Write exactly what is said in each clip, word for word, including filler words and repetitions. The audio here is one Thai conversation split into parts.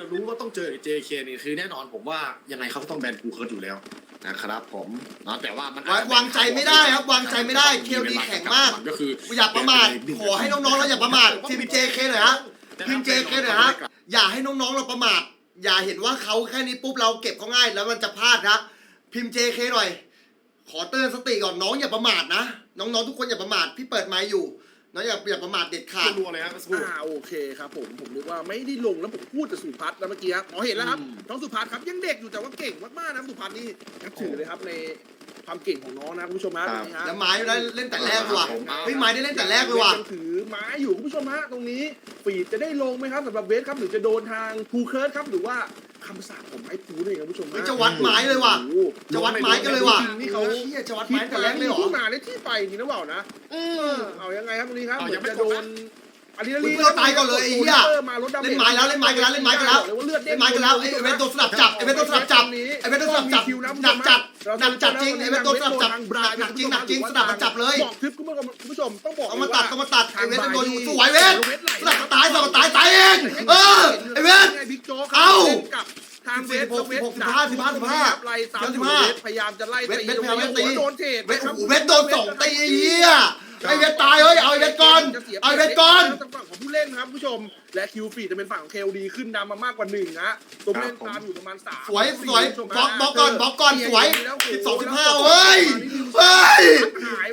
รู้ว่าต้องเจอ เจ เค นี่คือแน่นอนผมว่ายังไงเขาก็ต้องแบนกูเคิร์ดอยู่แล้วนะครับผมเนาะแต่ว่ามันวางใจไม่ได้ครับวางใจไม่ได้เคลดีแข็งมากก็คืออย่าประมาทขอให้น้องๆเราอย่าประมาททีม เจ เค หน่อยฮะทีม เจ เค หน่อยฮะอย่าให้น้องๆเราประมาทอย่าเห็นว่าเขาแค่นี้ปุ๊บเราเก็บเขาง่ายแล้วมันจะพลาดนะพิมพ์ เจ เค หน่อยขอเตือนสติก่อนน้องอย่าประมาทนะน้องๆทุกคนอย่าประมาทพี่เปิดไมค์อยู่น้องอย่าอย่าประมาทเด็ดขาดรัวเลยครับอ่าโอเคครับผมผมนึกว่าไม่ได้ลงแล้วผมพูดแต่สุพัฒน์แล้วเมื่อกี้ครับอ๋อเห็นแล้วครับน้องสุพัฒน์ครับยังเด็กอยู่แต่ว่าเก่งมากๆนะสุพัฒน์นี่นับถือเลยครับในความเก่งของน้องนะคุณผู้ชมฮะตรงนี้ฮะแล้วไม้ได้เล่นแต่แรกเลยว่ะเฮ้ยไม้ได้เล่นแต่แรกเลยว่ะยังถือไม้อยู่คุณผู้ชมฮะตรงนี้ฟีดจะได้ลงไหมครับสำหรับเวสครับหรือจะโดนทางภูเคิร์ดครับหรือว่าคำสาปของไม้ภูนี่ครับคุณผู้ชมเฮ้ยจะวัดไม้เลยว่ะจะวัดไม้กันเลยว่ะนี่เขาเฮียจะวัดไม้แต่แรกเลยเหรอที่มาได้ที่ไปจริงนะเปล่านะเออเอายังไงครับตรงนี้ครับเหมือนจะโดนอันนี้เพื่อนตายก่อนเลยไอ้เหี้ย เล่นไม้แล้วเล่นไม้กันแล้วเล่นไม้กันแล้วเลือดเล่นไม้กันแล้วไอ้เวนโดนสลับจับไอ้เวนโดนสลับจับไอ้เวนโดนสลับจับหนักจัดหนักจัดจริงไอ้เวนโดนสลับจับหนักจริงหนักจริงสลับมาจับเลยบอกคลิปคุณผู้ชมต้องบอกเอามาตัดเอามาตัดไอ้เวนโดนอยู่สวยเวนสลับมาตายสลับมาตายตายเองเออไอ้เวนบิ๊กโจ๊กเอากับทางเวสเวสสิบห้าสิบห้าสิบห้าไล่ตามพยายามจะไล่ตีโดนเทรดเวนโอ้โหเวนโดนส่งตีไอ้เหี้ยไอ้เวนตายเฮ้ยเอาไอ้เวนก่อนเอาไอ้เวนก่อนทางฝั่งของผู้เล่นครับผู้ชมและคิวฟีจะเป็นฝั่งของเคลดีขึ้นนำมามากกว่าหนึ่งนะตัวเล่นตามอยู่ประมาณสามสวยสวยบล็อกบล็อกก่อนบล็อกก่อนสวยสิบสองสิบห้าเฮ้ยเฮ้ยหาย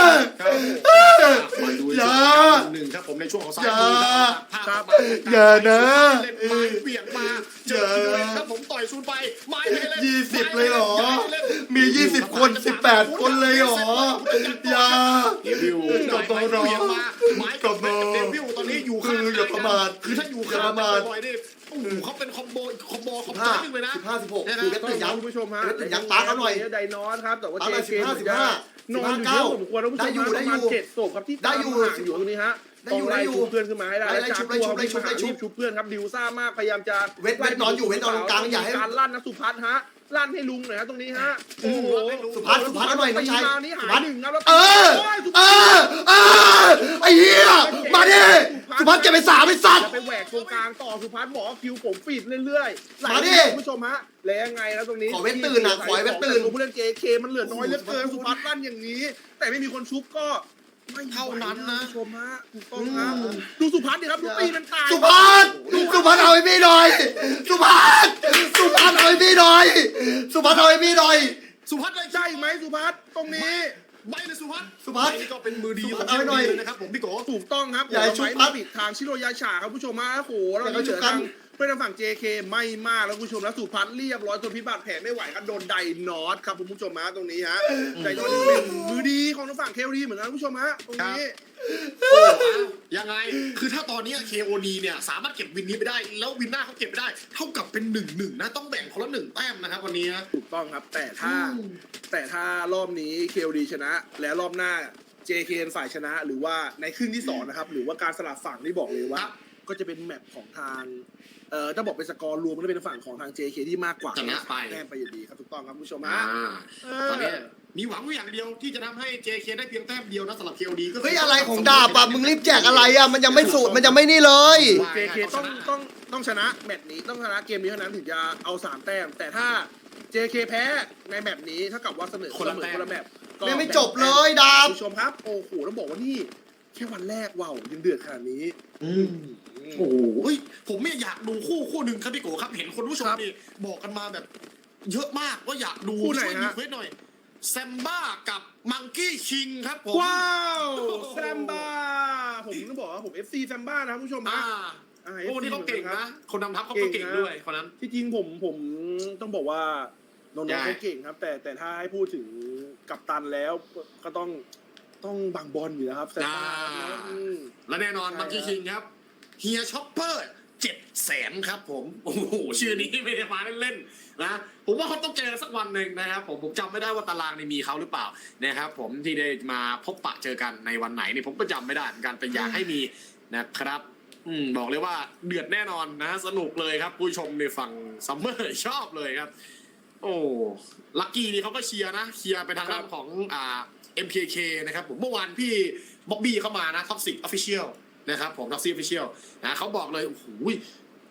มาดูอย่าหนึ่งครับผมในช่วงของซ้ายอย่ามือครับอย่านะเล่นไม้เบี่ยงมาเจอเลยครับผมต่อยซูนไปไม้ไปเล่นยี่สิบเลยเหรอมียี่สิบคนสิบแปดคนเลยเหรออย่าเดวิลกบรอเบี่ยงมาไม้กับเดวิลตอนนี้อยู่ข้างคืออย่าประมาทคือถ้าอยู่ข้างอย่าประมาทบ่อยๆนี่โอ้โหเขาเป็นคอมโบคอมโบคอมโบห้านึงเลยนะสิบห้าสิบหกนะคือเวครับทตื่นยัคุณผู้ชมฮะเวทตื่นยัปาร์คเอาหน่อยไดนอสครับแต่ว่าเอาเจหน่อยเคสิบห้าสิบห้านอนอยู่เยอะผมควรนะคุณผู้ชมได้อยู่ได้อยู่ประมาณเจ็ดศพครับที่ได้อยู่ห่างอยู่ตรงนี้ฮะได้ต้ออง ยู่ไล่ได้อยู่ชุบเพื่อนขึ้นมาให้ได้ไล่ชุบไล่ชุบไล่ชุบไล่ชุบชุบเพื่อนครับดิวซ่ามากพยายามจะเวทเวทนอนอยู่เวทนอนตรงกลางอย่าให้การลั่นนะสุพัฒน์ฮะลั่นให้ลุงหน่อยฮะตรงนี้ฮะโอ้โหสุพัฒน์สุพัฒน์เอาหน่อยน้องชายตีมนี่หาสุพัฒน์หนึ่งครับแล้วเออเออเออไอ้เหี้ยมาดิสุพัฒน์เก็บไปสามไอ้สัตว์จะไปแหวกตรงกลางต่อสุพัฒน์บอกว่าคิวผมฟีดเรื่อยๆไหลมาดิคุณผู้ชมฮะแล้วยังไงแล้วตรงนี้ขอเว้นตื่นอะขอให้เว้นตื่นผู้เล่นเจเคมันเหลือน้อยเหลือเกินสุพัฒน์ลั่นอย่างนี้ แต่ไม่มีคนชุบก็ไม่ไหวเท่านั้นนะคุณผู้ชมฮะถูกต้องครับดูสุพัฒน์ดิครับดูตีมันตายสุพัฒน์สุพัฒน์เอาไอ้พี่หน่อยสุพัฒน์สุพัฒน์เอาไอ้พี่หน่อยสุพัฒน์เอาไอ้พี่หน่อยสุพัฒน์เลยใช่ไหมสุพัฒน์ตรงนี้ใบเลยสุพัฒน์สุพัฒน์นี่ก็เป็นมือดีของเอาหน่อยเลยนะครับผมพี่โกถูกต้องครับอย่าให้ชุบไม้ครับมาปิดทางชิโรยาชาครับผู้ชมฮะโอ้โหแล้วอย่าให้นี่เหชุลืบอครัทาบงเพื่อนทางฝั่ง เจ เค ไม่มากแล้วคุณผู้ชมแล้วสุพัฒน์เรียบร้อยจนพิบัติแผลไม่ไหวครับโดนไดนอตครับคุณผู้ชมฮะตรงนี้ฮะไดนอตนี่เป็นมือดีของทางฝั่งเคลดีเหมือนกันคุณผู้ชมฮะตรงนี้โอ้ยังไงคือถ้าตอนนี้ เค โอ ดี เนี่ยสามารถเก็บวินนี้ไปได้แล้ววินหน้าเขาเก็บไปได้เท่ากับเป็นหนึ่งหนึ่งนะต้องแบ่งคนละหนึ่งแต้มนะครับวันนี้นะถูกต้องครับแต่ถ้าแต่ถ้ารอบนี้เคลดีชนะ แล้วรอบหน้า เจ เค ฝ่ายชนะ หรือว่าในครึ่งที่สองนะครับหรือว่าการสลับฝั่งที่บอกเลยว่า ก็จะเป็นแมปของทางเอ่อถ้าบอกเป็นสกอร์รวมก็จะเป็นฝั่งของทาง เจ เค ที่มากกว่าชนะไปแต้มไปอยู่ดีครับถูกต้องครับคุณผู้ชมอ่าฮะเออตอนนี้มีหวังอย่างเดียวที่จะทำให้ เจ เค ได้เพียงแต้มเดียวนะสำหรับ เค โอ ดี ก็คืเฮ้ยอะไรของดาบอ่ะมึงรีบแจกอะไรอ่ะมันยังไม่สูตรมันยังไม่นี่เลยเจ เค ต้องต้องต้องชนะแมตช์นี้ต้องชนะเกมนี้เท่านั้นถึงจะเอาสามแต้มแต่ถ้า เจ เค แพ้ในแมตช์นี้เท่ากับว่าเสมอคนละคนละแมตช์ก็ไม่ไม่จบเลยดาบคุณผู้ชมครับโอ้โหต้องบอกว่านี่แค่วันแรกว้าวยังเดือดขนาดนี้อืมโอ้โหเฮ้ยผมเนี่ยอยากดูคู่คู่หนึ่งครับพี่โกครับเห็นคนผู้ชมนี่บอกกันมาแบบ เยอะมากว่าอยากดูคู่ไหนช่วยรีฮะเควสหน่อยแซมบ้ากับมังกี้คิงครับผมว้าวแซมบ้าผมต้องบอกว่าผม เอฟ ซี แซมบ้านะครับคุณผู้ชมอ่านะอ่าโอ้นี่เขาเก่งนะคนนำทัพเขาก็เก่งด้วยคนนั้นที่จริงผมผมต้องบอกว่าน้องใช่ๆเขาเก่งครับ แต่แต่ถ้าให้พูดถึงกัปตันแล้วก็ต้องต้องบางบอลอยู่นะครับแซมบ้านะอืมและแน่นอนใช่มังกี้คิงครับเฮียช็อปเปอร์เจ็ดแสนครับผมโอ้โหชื่อนี้ไม่ได้มาเล่นๆนะผมว่าเขาต้องเจอสักวันหนึ่งนะครับผมผมจำไม่ได้ว่าตารางนี้มีเขาหรือเปล่านะครับผมที่ได้มาพบปะเจอกันในวันไหนนี่ผมก็จำไม่ได้เหมือนกันแต่อยากให้มีนะครับอืมบอกเลยว่าเดือดแน่นอนนะสนุกเลยครับผู้ชมในฝั่งซัมเมอร์ชอบเลยครับ โอ้ลักกี้นี่เขาก็เชียร์นะเชียร์ไปทางด้านของอ่า เอ็ม เค เค นะครับผมเมื่อวานพี่บ๊อบบี้เข้ามานะท็อกซิกออฟฟิเชียลนะครับผมท็อกซิกออฟฟิเชียลนะเขาบอกเลยโอ้โห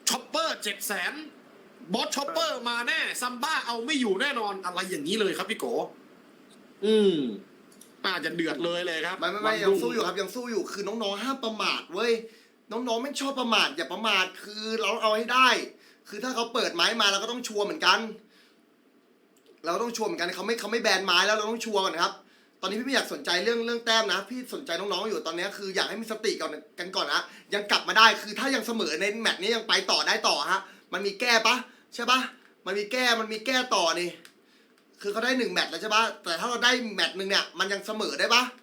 ช็อปเปอร์เจ็ดแสนบอสช็อปเปอร์มาแน่ซัมบ้าเอาไม่อยู่แน่นอนอะไรอย่างนี้เลยครับพี่โกอืมน่าจะเดือดเลยเลยครับไม่ไม่ไม่ยังสู้อยู่ครับยังสู้อยู่คือน้องๆห้ามประมาทเว้ยน้องๆไม่ชอบประมาทอย่าประมาทคือเราเอาให้ได้ คือถ้าเขาเปิดไม้มาเราก็ต้องชัวร์เหมือนกัน เราต้องชัวร์เหมือนกันเขาไม่เขาไม่แบนไม้แล้วเราต้องชัวร์ก่อนครับ ตอนนี้พี่ไม่อยากสนใจเรื่องเรื่องแต้มนะพี่สนใจน้องๆอยู่ตอนนี้คืออยากให้มีสติก่อนกันก่อนนะยังกลับมาได้คือถ้ายังเสมอในแมตช์นี้ยังไปต่อได้ต่อฮะมันมีแก้ปะใช่ปะมันมีแก้มันมีแก้ต่อนี่คือเขาได้หนึ่งแมตช์แล้วใช่ปะแต่ถ้าเราได้แมตช์หนึ่งเนี่ยมันยังเสมอได้ปะ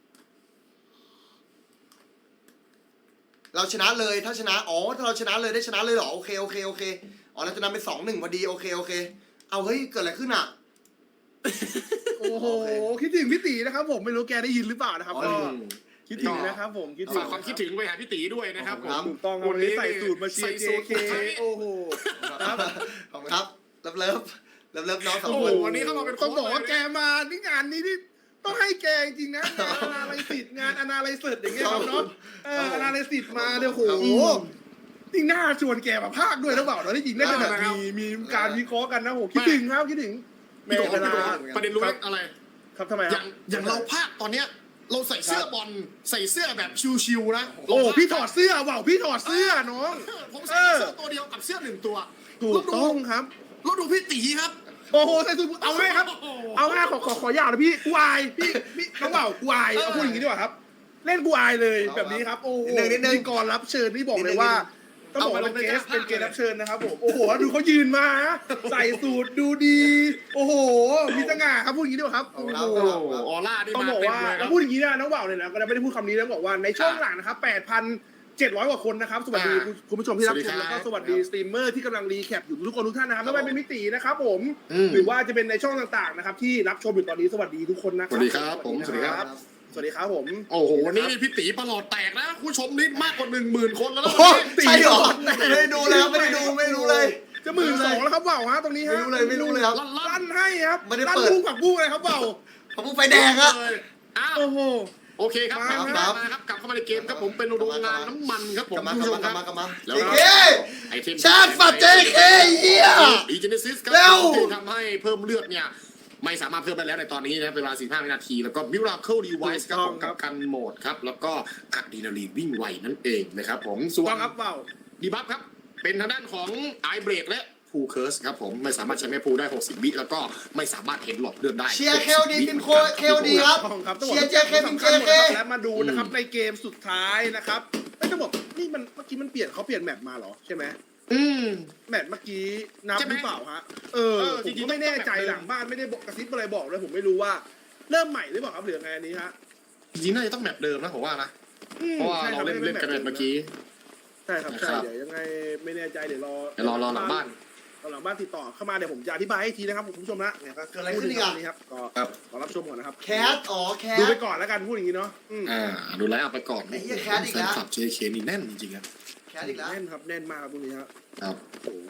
เราชนะเลยถ้าชนะอ๋อถ้าเราชนะเลยได้ชนะเลยเหรอโอเคโอเคโอเคอ๋อเราจะนำเป็นสองหนึ่งพอดีโอเคโอเคเอาเฮ้ยเกิดอะไรขึ้นอ่ะโอ้โหโอเคคิดถึงพี่ตีนะครับผมไม่รู้แกได้ยินหรือเปล่านะครับอ๋อก็อืมคิดถึงนะครับผมคิดถึงฝากความคิดถึงไปหาพี่ตีด้วยนะครับผมถูกต้องครับวันนี้ใส่สูตรมาเชียร์ใส่เจสูตรเคโอ้โหครับขอบคุณครับเลิฟเลิฟเลิฟเลิฟน้องสองโอ้คโหนวันนี้เขามาเป็นต้องบอกว่าโค้ชเลยแกมาที่งานนี้ที่ต้องให้แกจริงๆนะงานอนาลิซิสงานอนาลิซิสอย่างเงี้ยครับเนาะเอออนาลิซิสมาเนี่ยโหนี่น่าชวนแกมาภาคด้วยหรือเปล่าเนาะที่จริงได้เป็นแบบมีมีการวิเคราะห์กันนะโหคิดถึงครับคิดถึงพี่โดเวพี่โดลาประเด็นรู้ไหมอะไรครับทำไมอครัย่าบงอย่างเราภาคตอนเนี้ยเราใส่เสื้อบอลใส่เสื้อแบบชิวๆนะโอ้พี่ถอดเสื้อว่าวพี่ถอดเสื้อน้องผมใส่เสื้อตัวเดียวกับเสื้อหนึ่งตัวถูกต้องครับแล้วดูพี่ตีครับโอ้โหใส่สูทเอาง่ายครับโโหเอาง่ายขอขอขอยาวนะพี่กูอายพี่พี่น้องเบากูอายเอาพูดอย่างนี้ดีกว่าครับ เล่นกูอายเลยแบบนี้ครับโอ้โหพิธีกรรับเชิญนี่บอกเลยว่าต้องบอกว่าเป็นเกสเป็นเกสรับเชิญนะครับผมโอ้โหดูเขายืนมาใส่สูทดูดี โอ้โหมีสง่าครับพูดอย่างนี้ดีกว่าครับโอ้โหโอ้โหออร่านี่ต้องมาบอกเต็มว่าเลยครับพูดอย่างนี้นะน้องเบาเนี่ยนะก็ไม่ได้พูดคำนี้นะบอกว่าในช่วงหลังนะครับแปดพันเจ็ดร้อยกว่าคนนะครับสวัสดีอ่าคุณผู้ชมที่รับชสวัสดีมครับแล้วก็สวัสดีสตรีมเมอร์ที่กำลังรีแคปอยู่ทุกคนทุกท่านนะครับไม่ว่าเป็นมิตินะครับผมอืมหรือว่าจะเป็นในช่องต่างๆนะครับที่รับชมอยู่ตอนนี้สวัสดีทุกคนนะคสรับวัสดีครับผมสวัสดีครับสวัสดีครับผมโอ้โหวันนี้พี่ตีประหลอดแตกนะผู้ชมนี่มากกว่าหนึ่งหมื่นคนแล้วนะโอ้วันนี้ใช่เหรอไม่ได้ดูเลยครับไม่ได้ดูไม่รู้เลยจะหมื่นสองแล้วครับเบาฮะตรงนี้ไม่ฮะรู้เลยไม่รู้เลยครับลั่นลั่ลั่นนให้ครับไม่ได้ลั่นเปิดพุ่งผักบุ้งเลยครับเบาผมไฟแดงอะเลยอ้าวโอ้โหโอเคครับมากลับครัเข้าบมาครับกลับเข้ามาในเกมครับผมเป็นโรงงานน้ำมันครับผมกลับมาผู้กชลับมมาคกลัรับบ มากลับมาแล้วเจก็เคไอเทมชาติฝัด เจเค เหี้ยอีเจเนซิสครับเร็วที่ทำให้เพิ่มเลือดเนี่ยไม่สามารถเพิ่มได้แล้วในตอนนี้นะครับเป็นเวลาสี่สิบห้าวินาทีแล้วก็มิราเคิลดีไวซ์ครับผมกับกันโหมดครับแล้วก็อะดรีนาลีนวิ่งไวนั่นเองนะครับผมส่วต้อน งครับเบาดีบัฟครับ เป็นทางด้านของไอเบรกและพูเคิร์สครับผมไม่สามารถใช้แม่พูได้หกสิบวิแล้วก็ไม่สามารถเห็นหลอดเลือดได้เชียร์เคลดีพิมพ์โคเคลดีครับต้องครับต้องบเชีอกยร์เจเคพิมพ์เจเคและมาดูนะครับในเกมสุดท้ายนะครับไม่จะบอกนี่มันเมื่อกี้มันเปลี่ยนเขาเปลี่ยนแมปมาเหรอใช่ไหมอืมแมตช์เมื่อกี้นับใช่ไหมหรือเปล่าฮะ เออเออผจมริงๆก็ไม่แน่ใจต้องแบบหลังบ้านไม่ได้บอกกระซิบอะไรบอกเลยผมไม่รู้ว่า เริ่มใหม่หรือเปล่าครับหรือยังไงอันนี้ฮะจริงๆน่าจะต้องแบบเดิมนะผมว่านะอืมเพราะว่าใช่คเราบเล่นเล่นกันแบบเมื่อกี้ใช่ครับนะใช่ครับเดี๋ยวยังไงไม่แน่ใจเดี๋ยวรอเดี๋ยวรอรอหลังบ้านรอหลังบ้านติดต่อเข้ามาเดี๋ยวผมจะอธิบายให้อีกทีนะครับคุณผู้ชมนะเนี่ยก็เกิดอะไรขึ้นอีกอะนี่ครับก็ครับรอรับชมก่อนนะครับแคสอ๋อแคดูสไปก่อนแล้วกันพูดอย่างนี้เนาะอืมอ่าดูแลเอาไปก่อนไอ้เหี้ยแคสอีกแล้วฟนคลับ เจ เค นี่แน่นจริงๆครับแคสอีกแล้วแน่นครับแน่นมากครับตรงนี้ครับครับโอ้โห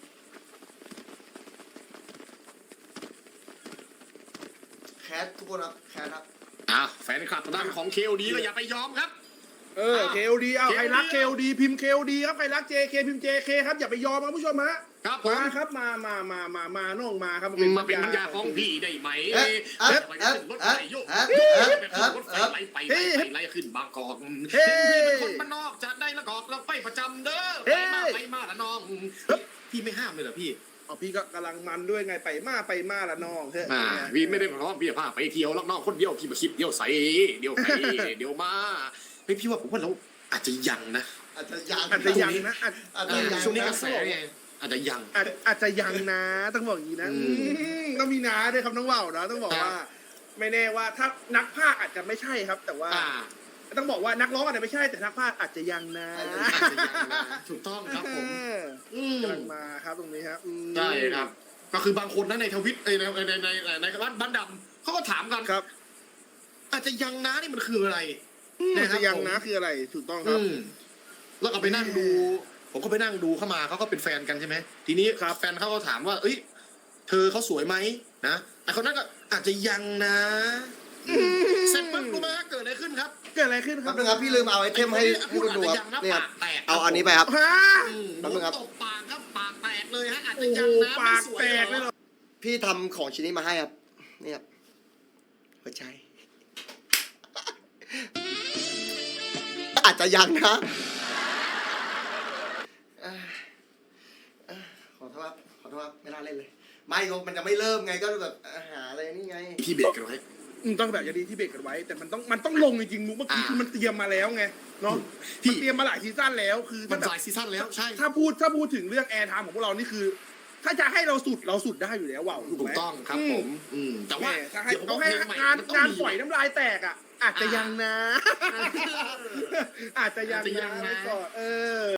แคสทุกคนครับแคสครับอ่ะแฟนคลับทางด้านของเคลดีก็อย่าไปยอมครับเอออ้าวเคลดีเอาใครรักเคเคลลดีพิมพ์เคลดีครับใครรักเจเคพิมพ์เจเคครับอย่าไปยอมครับผู้ชมฮะครับผมมาครับมามามามามาน้องมาครับมาเป็นปัญญาของพี่ได้ไหมเอ๊ะเอ๊ะไปเอ๊ะขึ้นรถเอ๊ะไฟโยกเอ๊ะเอ๊ะเอ๊ะไปขึ้นรถไฟไล่ไปไล่ไปไล่ขึ้นบางกอกเฮ้ยเป็นคนบ้านนอกจะได้ละกอกเราไปประจำเด้อไปมาไปมาละน้องพี่ไม่ห้ามเลยเหรอพี่เอาพี่ก็กำลังมันด้วยไงไปมาไปมาละน้องเฮ้ยอ่าพี่ไม่ได้บอกว่าพี่พาไปเที่ยวลักน้องคนเดียวพี่มาคิดเดียวใส่เดียวไปเดียวมาเฮ้ยพี่ว่าผมว่าเราอาจจะยังนะอาจจะยังอาจจะยังนะอาจอาจจะยังช่วงนี้กนะระแสไงอาจจะยังอาจอาจจะยังนะต้องบอกอย่างนี้นะอืมอืมต้องมีนาด้วยครับน้องว่าวนะต้องบอกว่า ไม่แน่ว่าถ้านักพากย์อาจจะไม่ใช่ครับ แต่ว่าอ่าต้องบอกว่านักร้องอาจจะไม่ใช่แต่นักพากย์อาจจะยังนะอาจจะอาจจะยังนะถูกต้องครับผมเอออืมกำลังมาครับตรงนี้ครับอืมใช่ครับ ก็คือบางคนนะในทวิตในในในในในในบ้านบ้านดำเขาก็ถามกันครับอาจจะยังนะนี่มันคืออะไรอืมนะครับจะยังผมนะคืออะไรถูกต้องครับอืมแล้วก็ไปนั่งดู ผมก็ไปนั่งดูเข้ามาเขาก็เป็นแฟนกันใช่ไหมทีนี้ครับแฟนเขาก็ถามว่า เอ้ย เธอเขาสวยไหมนะไอ้คนนั้นก็อาจจะยังนะเสร็จปุ๊บรู้ไหมฮะเกิดอะไรขึ้นครับเกิดอะไรขึ้นคครัรับบนึงครับพี่ลืมเอาไอเทมให้ให้คุณดูครับอาจจะยังนะเนี่ยครับปากแตกเอาอันนี้ไปครับฮะอืมแป๊บนึงครับตบปากครับปากแตกเลยฮะอาจจะโอ้โหยังนะปากไม่สวยแตกเลยเหรอพี่ทำของชิ้นนี้มาให้ครับนี่ครับหัวใจ อาจจะยังนะอ่าอ่าขอโทษครับขอโทษครับไม่น่าเล่นเลย ไม่ก็มันจะไม่เริ่มไงก็แบบอ่าหาอะไรนี่ไงพี่เบรกกันไว้อืมต้องแบบอย่างดีที่เบรกกันไว้ แต่มันต้องมันต้องลงจริงๆมุกเมื่อกี้อ่าคือมันเตรียมมาแล้วไงเนาะพี่มันเตรียมมาหลายซีซั่นแล้วคือมัถ้าน แบบหลายซีซั่นแล้วใช่ถ้าพูดถ้าพูดถึงเรื่องแอร์ไทม์ของพวกเรานี่คือ ถ้าจะให้เราสุดเราสุดได้อยู่แล้วว่าวถูกถูไหกมต้องครับผม อืมแต่แต่ว่าว่าถ้าให้เดี๋ยวผมต้องว่าให้เพลงใหม่งานมันต้องงานมีฝอยน้ำลายแตกอ่ะ อาจจะยังนะอ่าอาจจะยังอาจจะยันะงนะไว้ก่อนเออ